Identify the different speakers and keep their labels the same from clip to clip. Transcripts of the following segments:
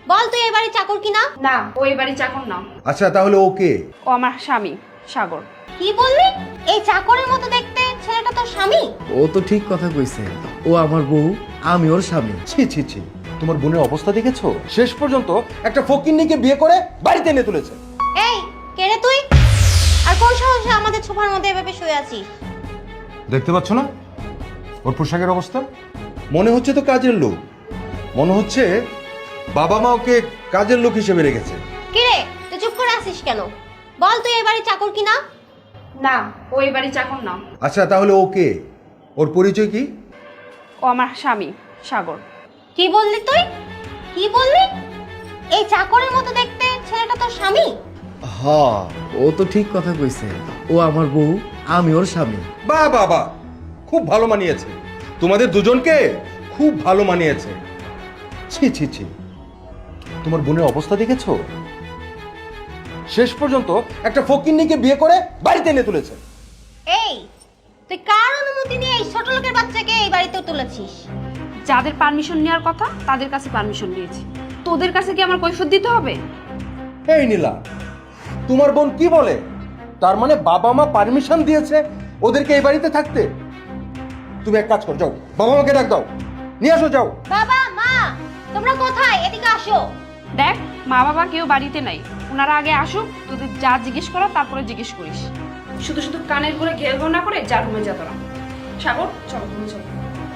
Speaker 1: বল তুই এই বাড়ির চাকর কিনা?
Speaker 2: না, ও এই বাড়ির চাকর না।
Speaker 3: আচ্ছা তাহলে ওকে?
Speaker 2: ও আমার স্বামী সাগর।
Speaker 1: কি বললি? এই চাকরের মতো দেখতে ছেলেটা তোর স্বামী?
Speaker 4: ও তো ঠিক কথা কইছে, ও আমার বউ, আমি ওর স্বামী।
Speaker 3: ছি ছি ছি, তোমার বোনের অবস্থা দেখেছো? শেষ পর্যন্ত একটা ফকিন্নিকে বিয়ে করে বাড়িতে এনে তুলেছে।
Speaker 1: এই কে রে তুই? আর কোন সাহসে আমাদের সোফার মধ্যে এভাবে শুয়ে আছিস?
Speaker 3: দেখতে পাচ্ছ না ওর পোশাকের অবস্থা? মনে হচ্ছে তো কাজের লোক, মনে হচ্ছে বাবা মা ওকে কাজের লোক হিসেবে রেখেছে।
Speaker 1: কি রে তুই চুপ করে আছিস কেন? বল তুই এই বাড়ির চাকর কিনা?
Speaker 2: না, ও এই বাড়ির চাকর না।
Speaker 3: আচ্ছা তাহলে ওকে, ওর পরিচয় কি?
Speaker 2: ও আমার স্বামী সাগর।
Speaker 1: কি বললি তুই? কি বললি? এই চাকরের মতো দেখতে ছেলেটা তোর স্বামী?
Speaker 4: হ্যাঁ, ও তো ঠিক কথা কইছে, ও আমার বউ, আমি ওর স্বামী।
Speaker 3: বাহ বাহ বাহ, খুব ভালো মানিয়েছে, তোমাদের দুজনকে খুব ভালো মানিয়েছে। ছি ছি ছি, তোমার বোনের অবস্থা দেখেছো? শেষ পর্যন্ত একটা ফকিন্নিকে বিয়ে করে বাড়িতে এনে তুলেছে।
Speaker 1: এই তুই কার অনুমতি নিয়ে এই ছোট লোকের বাচ্চাকে এই বাড়িতে তুলেছিস?
Speaker 2: যাদের পারমিশন নেওয়ার কথা তাদের কাছে পারমিশন নিয়েছি। তোদের কাছে কি আমার কৈফিয়ত দিতে হবে?
Speaker 3: এই নীলা, তোমার বোন কি বলে? তার মানে বাবা মা পারমিশন দিয়েছে ওদেরকে এই বাড়িতে থাকতে? তুমি এক কাজ করো, যাও বাবা মাকে ডাক দাও, নিয়ে আসো, যাও।
Speaker 1: বাবা মা তোমরা কোথায়? এদিকে আসো।
Speaker 2: দেখ, মা বাবা কেউ বাড়িতে নাই, ওনারা আগে আসুক, তোদের যা জিজ্ঞেস করা তারপরে জিজ্ঞেস করিস। শুধু শুধু কানের করে ঘের ঘর না করে যা রুমে যা তোরা। সাগর চলো রুমে চলো।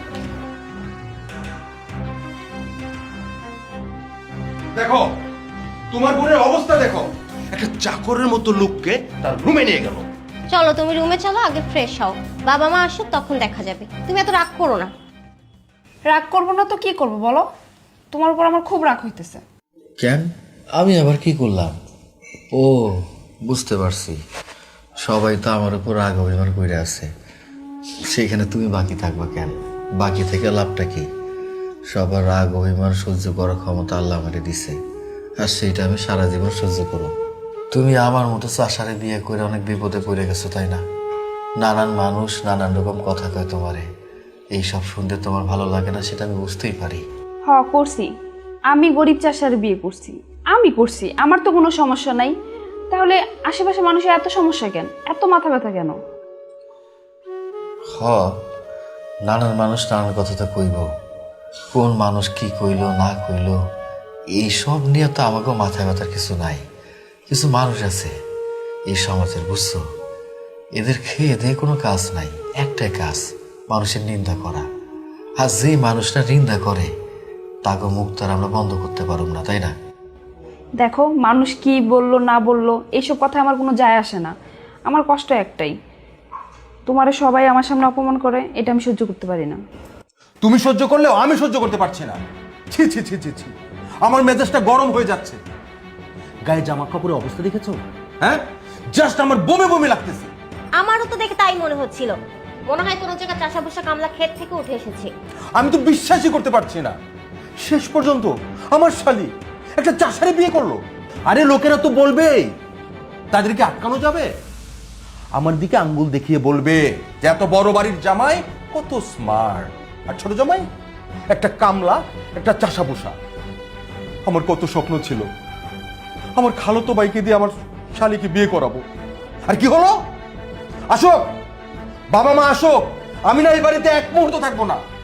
Speaker 3: দেখো তোমার বোনের অবস্থা দেখো, একটা চাকরের মতো লোককে তার রুমে নিয়ে গেল।
Speaker 1: চলো তুমি রুমে চলো, আগে ফ্রেশ হও, বাবা মা আসুক তখন দেখা যাবে। তুমি এত রাগ করো না।
Speaker 2: রাগ করবো না তো কি করবো বলো? তোমার উপর আমার খুব রাগ হইতেছে।
Speaker 4: কেন, আমি আবার কি করলাম? ও, বুঝতে পারছি, সবাই তো আমার উপর রাগ অভিমান করে আছে, সেখানে তুমি বাকি থাকবা কেন? বাকি থেকে লাভটা কি? সবার রাগ অভিমান সহ্য করার ক্ষমতা আল্লাহ আমাকে দিছে, আর সেইটা আমি সারা জীবন সহ্য করব। তুমি আমার মতো চাষারে বিয়ে করে অনেক বিপদে পড়ে গেছো, তাই না? নানান মানুষ নানান রকম কথা কয় তোমারে, এইসব শুনতে তোমার ভালো লাগে না, সেটা আমি বুঝতেই পারি।
Speaker 2: হ করছি, আমি গরিব চাষার বিয়ে করছি, আমি করছি, আমার তো কোনো সমস্যা নাই। তাহলে আশেপাশে মানুষের এত সমস্যা কেন, এত মাথা ব্যথা কেন?
Speaker 4: হ, নানান মানুষ নানান কথা তো কইব, কোন মানুষ কি কইল না কইল এইসব নিয়ে তো আমাকেও মাথায় ব্যথার কিছু নাই। কিছু মানুষ আছে এই সমাজের, বুঝছো, এদের খেয়ে দিয়ে কোনো কাজ নাই, একটাই কাজ, মানুষের নিন্দা করা। আর যে মানুষটা নিন্দা করে তাকে মুখ তার আমরা বন্ধ করতে পারব না, তাই না?
Speaker 2: দেখো, মানুষ কি বললো না বললো এইসব কথা আমার কোনো যায় আসে না। আমার কষ্ট একটাই, তোমারে সবাই আমার সামনে অপমান করে, এটা আমি সহ্য করতে পারি না।
Speaker 3: তুমি সহ্য করলেও আমি সহ্য করতে পারছি না। ছি ছি ছি ছি ছি, আমার মেজাজটা গরম হয়ে যাচ্ছে। গায়ে জামা কাপড়ের অবস্থা দেখেছো? হ্যাঁ, জাস্ট আমার বমি বমি লাগতেছে।
Speaker 1: আমারও তো দেখে তাই মনে হচ্ছিল, মনে হয় কোনো জায়গায় চাষা বসা কামলা ক্ষেত থেকে উঠে এসেছে।
Speaker 3: আমি তো বিশ্বাসই করতে পারছি না, শেষ পর্যন্ত আমার শালি একটা চাষারে বিয়ে করলো। আরে লোকেরা তো বলবেই, তাদেরকে আটকানো যাবে? আমার দিকে আঙ্গুল দেখিয়ে বলবে যে এত বড় বাড়ির জামাই কত স্মার্ট, আর ছোট জামাই একটা কামলা, একটা চাষা বসা। আমার কত স্বপ্ন ছিল আমার খালাতো ভাইকে দিয়ে আমার শালিকে বিয়ে করাবো, আর কি হলো? আসো বাবা মা আসো, আমি না এই বাড়িতে এক মুহূর্ত থাকবো না।